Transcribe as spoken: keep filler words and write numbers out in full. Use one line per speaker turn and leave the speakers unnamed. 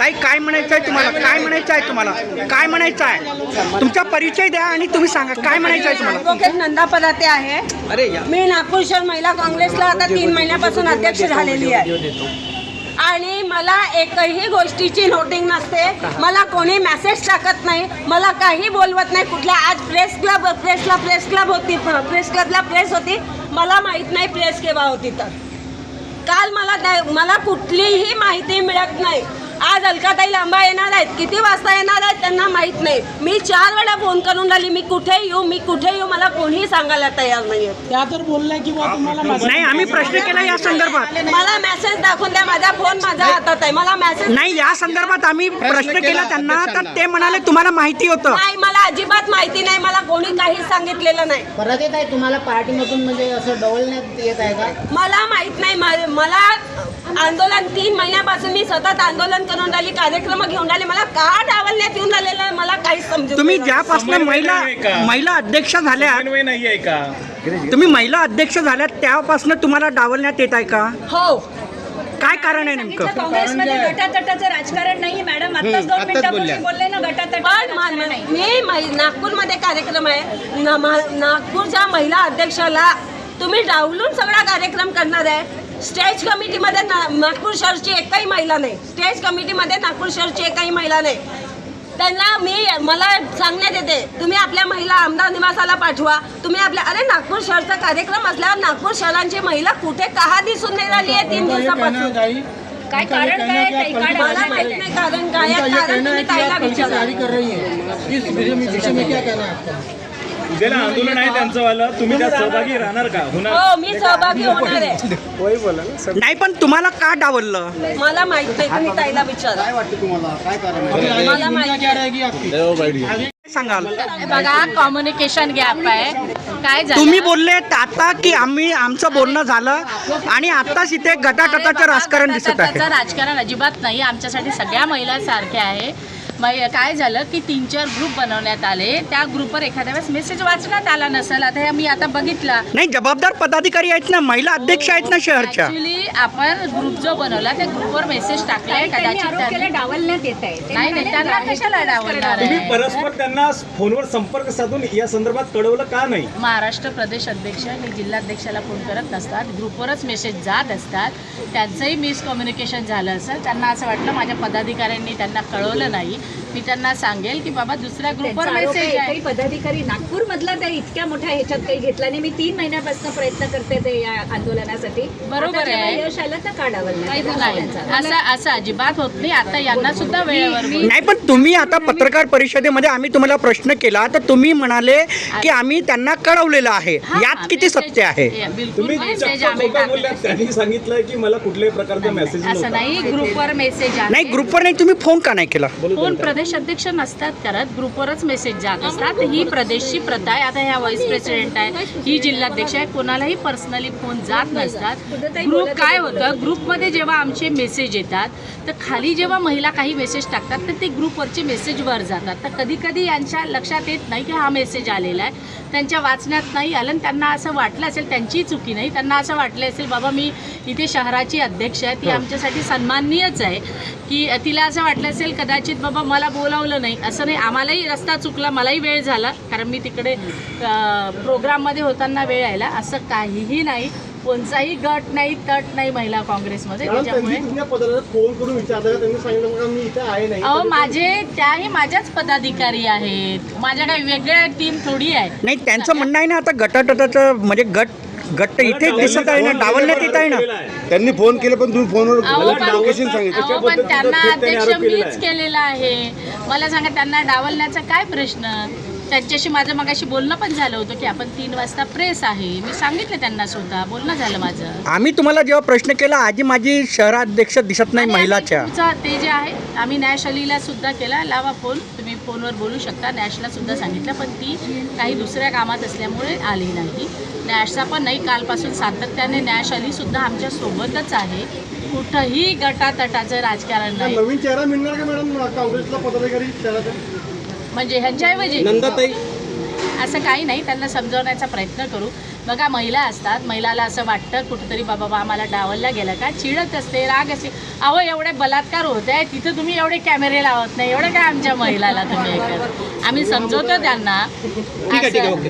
ताई काय म्हणायचं आहे तुम्हाला? काय म्हणायचं आहे तुम्हाला? काय म्हणायचं आहे? तुमचा परिचय द्या आणि तुम्ही सांगा काय म्हणायचं आहे तुम्हाला?
ॲडव्होकेट नंदा पदाते आहे.
अरे या
मी नागपूर शहर महिला काँग्रेसला आता तीन महिन्यापासून अध्यक्ष झालेली आहे आणि मला एकही गोष्टीची नोटिंग नसते. मला कोणी मेसेज टाकत नाही, मला काही बोलवत नाही. कुठल्या आज प्रेस क्लब प्रेसला प्रेस क्लब होती, प्रेस क्लबला प्रेस होती, मला माहीत नाही प्रेस केव्हा होती. तर काल मला मला कुठलीही माहिती मिळत नाही. आज अलकाताई लांबा येणार आहेत, किती वाजता येणार आहेत त्यांना माहीत नाही. मी चार वेळा फोन करून राहिली, मी कुठे येऊ मी कुठे येऊ मला कोणीही सांगायला तयार नाही.
त्या तर बोलल्या की बा तुम्हाला
नाही, आम्ही प्रश्न केला या संदर्भात.
मला मेसेज दाखवून द्या, माझा फोन माझ्या हातात आहे. मला मेसेज
नाही, या संदर्भात आम्ही प्रश्न केला त्यांना, तर ते म्हणाले तुम्हाला माहिती होतं.
नाही, मला अजिबात माहिती नाही. मला कोणी काहीच सांगितलेलं नाही.
परत येत आहे तुम्हाला पार्टीमधून म्हणजे असं डवलण्यात येत आहे का?
मला माहित नाही. मा- मला आंदोलन तीन महिन्यापासून मी सतत आंदोलन करून राहिली, कार्यक्रम घेऊन राहिले. मला का डावलण्यात येऊन राहिलेलं आहे मला काहीच समजत
तुम्ही
नाही.
ज्यापासून महिला महिला अध्यक्ष झाल्या,
नाही आहे का?
तुम्ही महिला अध्यक्ष झाल्या त्यापासून तुम्हाला डावलण्यात येत आहे का?
हो,
काय कारण आहे नेमकं?
काँग्रेसमध्ये गटातटाचं राजकारण नाही मॅडम. आत्ताच दोन मिनिटापूर्वी बोलले ना
पण
गटातट
मा- मी मै- नागपूरमध्ये कार्यक्रम आहे. ना- मा- नागपूरच्या महिला अध्यक्षाला तुम्ही डावलून सगळा कार्यक्रम करणार आहे. स्टेज कमिटीमध्ये ना नागपूर शहरची एकही महिला नाही. स्टेज कमिटीमध्ये नागपूर शहरची एकही महिला नाही. त्यांना मी मला सांगण्यात येते तुम्ही आपल्या महिला आमदार निवासाला पाठवा. तुम्ही आपल्या अरे नागपूर शहरचा कार्यक्रम असल्यावर नागपूर शहरांची महिला कुठे का दिसून नाही राहिली आहे तीन दिवसापासून?
काय कारण काय आहे? काही काढ
मला माहित नाही कारण काय आहे. कारण तुम्ही ताईला विचारा.
उद्याला आंदोलन आहे त्यांचं वालं, तुम्ही त्यात सहभागी राहणार का? होणार?
हो, मी सहभागी होणार आहे.
नाही, पण तुम्हाला का डावललं?
मला माहित नाही, तुम्ही ताईला विचारा. मला माहित
सांगाल?
बघा, कम्युनिकेशन गॅप आहे. काय झालं
तुम्ही बोलले आता की आम्ही आमचं बोलणं झालं आणि आताच इथे गटाटटाचं राजकारण दिसत आहे.
गटातटाचं राजकारण अजिबात नाही. आमच्यासाठी सगळ्या महिला सारख्या आहे. मै- काय झालं की तीन चार ग्रुप बनवण्यात आले. त्या ग्रुपवर एखाद्या वेळेस मेसेज वाचण्यात आला नसेल. आता हे मी आता बघितला.
नाही, जबाबदार पदाधिकारी आहेत ना, महिला अध्यक्ष आहेत ना शहरच्या.
ऍक्च्युली आपण ग्रुप जो बनवला त्या ग्रुपवर मेसेज टाकलाय कदाचित त्यांनी.
डावलण्यात येत आहे.
नाही नाही, त्यांना कशाला डावलणार
तुम्ही
आहे?
परस्पर त्यांना फोनवर संपर्क साधून या संदर्भात कळवलं का नाही?
महाराष्ट्र प्रदेश अध्यक्ष आणि जिल्हाध्यक्षाला फोन करत नसतात, ग्रुपवरच मेसेज जात असतात. त्यांचंही मिसकम्युनिकेशन झालं असेल. त्यांना असं वाटलं माझ्या पदाधिकाऱ्यांनी त्यांना कळवलं नाही. मी त्यांना सांगेल की बाबा दुसऱ्या ग्रुपवर मेसेज आहे.
काही पदाधिकारी नागपूर मधला त्या इतक्या मोठ्या ह्याच्यात काही घेतला नाही. मी तीन महिन्यापासून प्रयत्न करते ते या आंदोलनासाठी.
बरोबर
आता जेव्हा
आहे.
यश आलं तर का डावलण्यात?
नाही, असं असं अजिबात होत नाही. आता यांना सुद्धा वेळेवर बोल-
नाही, पण तुम्ही आता पत्रकार परिषदेमध्ये आम्ही तुम्हाला प्रश्न केला तर तुम्ही म्हणाले की आम्ही त्यांना कळवलेलं आहे. यात किती सत्य आहे?
बिलकुल
तुम्ही
मेसेज
चक्क
आम्ही
खोटं बोलल्यात.
टाकले.
त्यांनी सांगितलं की मला कुठल्याही प्रकारचा मेसेज
असं
नव्हता.
नाही, ग्रुपवर मेसेज आहे.
नाही, ग्रुपवर नाही, तुम्ही फोन का नाही केला?
फोन प्रदेश अध्यक्ष नसतात करत, ग्रुपवरच मेसेज जात असतात. ही प्रदेशची प्रथा आहे. आता ह्या व्हाईस प्रेसिडेंट आहे, ही जिल्हाध्यक्ष आहे, कोणालाही पर्सनली फोन जात नसतात. ग्रुप काय होतं, ग्रुपमध्ये जेव्हा आमचे मेसेज येतात तर खाली जेव्हा महिला काही मेसेज टाकतात तर ते ग्रुपवरचे मेसेज वर जातात. तर कधी कधी यांच्या लक्षात येत नाही की हा मेसेज आलेला आहे, त्यांच्या वाचण्यात नाही आलं आणि त्यांना असं वाटलं असेल, त्यांचीही चुकी नाही, त्यांना असं वाटलं असेल बाबा मी इथे शहराची अध्यक्ष आहे, ती आमच्यासाठी सन्माननीयच आहे, की तिला असं वाटलं असेल कदाचित बाबा मला बोलावलं नाही. असं नाही, आम्हालाही रस्ता चुकला, मलाही वेळ झाला कारण मी तिकडे प्रोग्राममध्ये होताना वेळ यायला. असं काहीही नाही. कोणताही गट नाही, तट नाही महिला काँग्रेसमध्ये. त्याच्यामुळे
फोन करून विचारलं, त्यांनी सांगितलं मी इथे आहे नाही.
अहो, माझे त्याही माझ्याच पदाधिकारी आहेत. माझ्या काही वेगळ्या टीम थोडी आहे.
नाही, त्यांचं म्हणणं आहे ना आता गटाटटाचं म्हणजे गट गट इथे दिसत आहे ना, डावलण्यात येत आहे ना.
त्यांनी फोन केले पण तुम्ही फोनवर
अहो, पण-
लोकेशन सांगितलं.
अहो, पण त्यांना अध्यक्ष मीच केलेला आहे. मला सांगा त्यांना डावलण्याचा काय प्रश्न? त्यांच्याशी माझं मगाशी बोलणं पण झालं होतं की आपण तीन वाजता प्रेस आहे, मी सांगितलं त्यांना स्वतः, बोलणं झालं माझं.
आम्ही तुम्हाला जेव्हा प्रश्न केला आजी माझी शहराध्यक्ष दिसत नाही
आणि
महिलाच्या.
आम्ही तुमचा ते जे आहे आम्ही नॅश अलीला सुद्धा केला, लावा फोन, तुम्ही फोनवर बोलू शकता. नॅशला सुद्धा सांगितलं पण ती काही दुसऱ्या कामात असल्यामुळे आली नाही. नॅशचा पण नाही, कालपासून सातत्याने नॅश अली सुद्धा आमच्या सोबतच आहे. कुठंही गटातटाचं राजकारण नाही.
नवीन चेहरा मिळणार का मॅडम काँग्रेसला पदाधिकारी चेहरा?
म्हणजे ह्यांच्याऐवजी
नंदाताई
असं काही नाही, त्यांना समजवण्याचा प्रयत्न करू. बघा महिला असतात, महिलाला असं वाटतं कुठेतरी बाबा बा आम्हाला डावलला गेलं का, चिडत असते, राग असते. अहो एवढे बलात्कार होत आहे तिथं तुम्ही एवढे कॅमेरे लावत नाही, एवढं काय आमच्या महिलाला तुम्ही हे करता? आम्ही समजवतो त्यांना.
ठीक आहे ठीक आहे
असं-
ओके